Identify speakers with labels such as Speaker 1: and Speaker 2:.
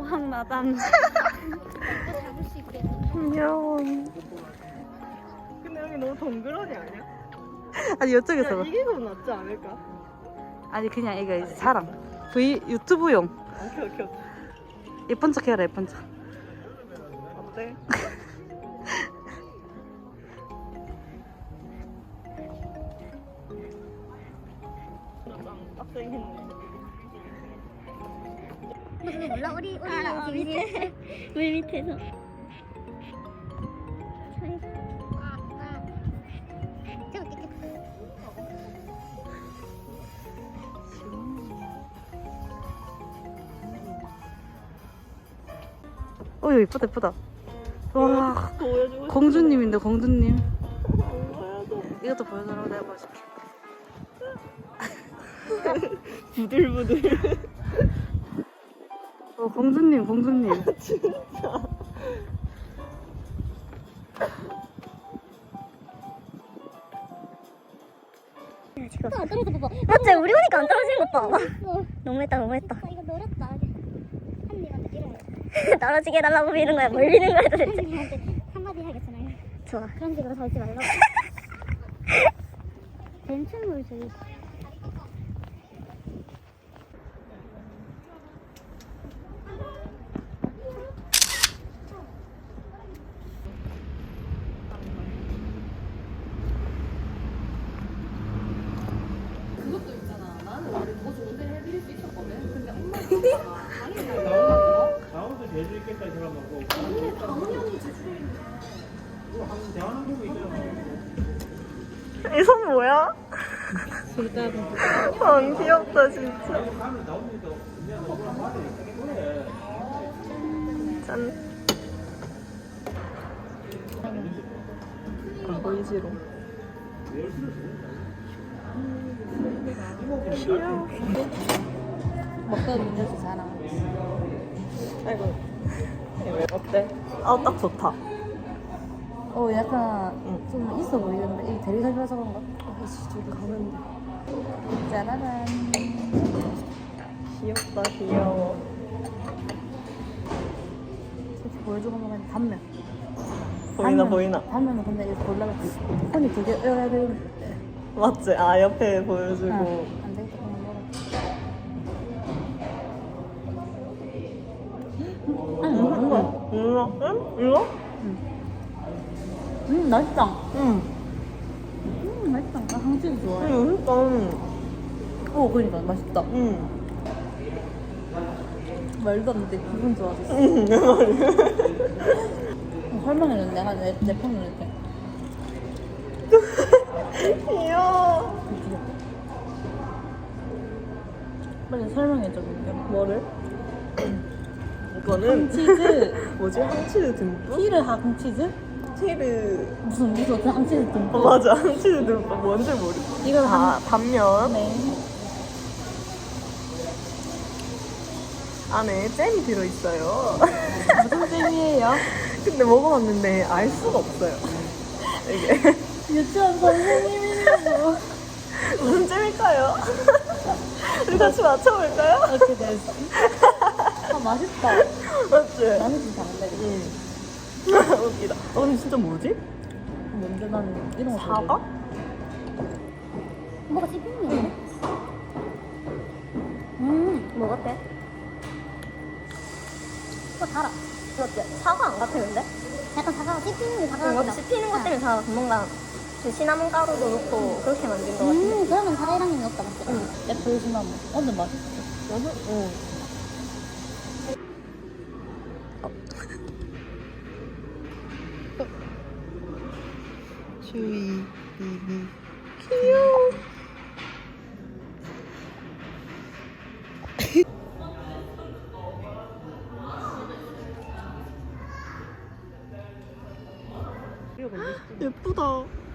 Speaker 1: 황마담.
Speaker 2: 잡을 수 있겠네.
Speaker 3: 귀여워.
Speaker 4: 근데 여기 너무 덩그러니 아니야?
Speaker 3: 아니 이쪽에서 봐.
Speaker 4: 이게 더 낫지 않을까?
Speaker 3: 아니 그냥 이거 자랑. 유튜브용.
Speaker 4: 오케이 오케이 오케이.
Speaker 3: 예쁜 척 해라 예쁜 척.
Speaker 4: 어때? 빡세겠네.
Speaker 2: 몰라 우리 밑에 물 밑에서.
Speaker 3: 어유 이쁘다 이쁘다. 와
Speaker 4: 보여주고
Speaker 3: 공주님인데 공주님.
Speaker 4: 보여줘.
Speaker 3: 이것도 보여줘라 내가 보여줄게.
Speaker 4: 부들부들.
Speaker 3: 공주님 공주님.
Speaker 4: 진짜.
Speaker 2: 지금 안 떨어져 봐봐. 맞지? 우리 오니까 안 떨어지는 것 봐. 너무했다 너무했다. 이거 노렸다. 한님한테 이런 거. 떨어지게 해달라고 미는 거야. 뭘 미는 거야 도대체. 한님한테 한마디 하겠어 나. 좋아. 그런 식으로 살지 말라고. 뱀충물 저기.
Speaker 5: 강원도 제주 있겠다 사람하고 당연히 제주에 있는 대한항공이 있잖아.
Speaker 4: 이 손 뭐야? 아 귀엽다 진짜.
Speaker 5: 가면 나오니까 그냥 너랑 말이 그래.
Speaker 4: 짠. 안 보이지롱. 귀여워.
Speaker 3: 먹다 민낯이 자랑.
Speaker 4: 아이고. 어때? 아 딱 좋다.
Speaker 3: 약간 좀 있어 보이는데 이 되게 잘 들어서 그런가?
Speaker 4: 아이씨 저기 가면 돼.
Speaker 3: 짜라란.
Speaker 4: 귀엽다 귀여워.
Speaker 3: 이렇게 보여주고 먹으면 단면.
Speaker 4: 보이나 보이나.
Speaker 3: 단면은 근데 이거 보려면 폰이 두 개 껴야 되는데.
Speaker 4: 맞지? 아 옆에 보여주고.
Speaker 3: 안 되겠다 그냥 먹어. 아니 먹는 거야.
Speaker 4: 이거? 응? 이거?
Speaker 3: 맛있다.
Speaker 4: 응.
Speaker 3: 맛있다. 나 항치즈 좋아해.
Speaker 4: 그러니까.
Speaker 3: 그러니까 맛있다.
Speaker 4: 응.
Speaker 3: 말도 안 돼. 기분 좋아졌어.
Speaker 4: 응. 내 말이.
Speaker 3: 설명해줘. 내가 내 폰으로 이렇게.
Speaker 4: 귀여워.
Speaker 3: 빨리 설명해줘. 볼게.
Speaker 4: 뭐를? 이거는
Speaker 3: 치즈.
Speaker 4: 뭐지? 항치즈 듬뿍?
Speaker 3: 티르 항치즈?
Speaker 4: 티르.
Speaker 3: 무슨 항치즈 듬뿍.
Speaker 4: 맞아. 항치즈 듬뿍. 뭔지 모르겠어.
Speaker 3: 이건
Speaker 4: 단면.
Speaker 3: 네.
Speaker 4: 안에 잼이 들어있어요.
Speaker 3: 무슨 잼이에요?
Speaker 4: 근데 먹어봤는데 알 수가 없어요. 이게
Speaker 3: 유치원 선생님이라고.
Speaker 4: 무슨 잼일까요? 우리 같이 맞춰볼까요?
Speaker 3: 이렇게 됐어. 아 맛있다.
Speaker 4: 맞지?
Speaker 3: 나는 좀 다른데.
Speaker 4: 응. 웃기다. 근데 진짜 뭐지?
Speaker 3: 뭔데 나는 이런 거
Speaker 4: 사과?
Speaker 2: 뭐가 씹히는데? 뭐 같아? 달아. 그렇지. 사과 안 같았는데? 약간 사과가 씹히는 게 사과 같다. 씹히는 것 때문에 사과. 뭔가 그 시나몬 가루도 넣고 그렇게 만든 것 같아. 그러면 사이랑이 넣었다 맞지? 응.
Speaker 3: 애플 시나몬. 근데 맛있어.
Speaker 4: 응. 주의, 귀여워. 예쁘다.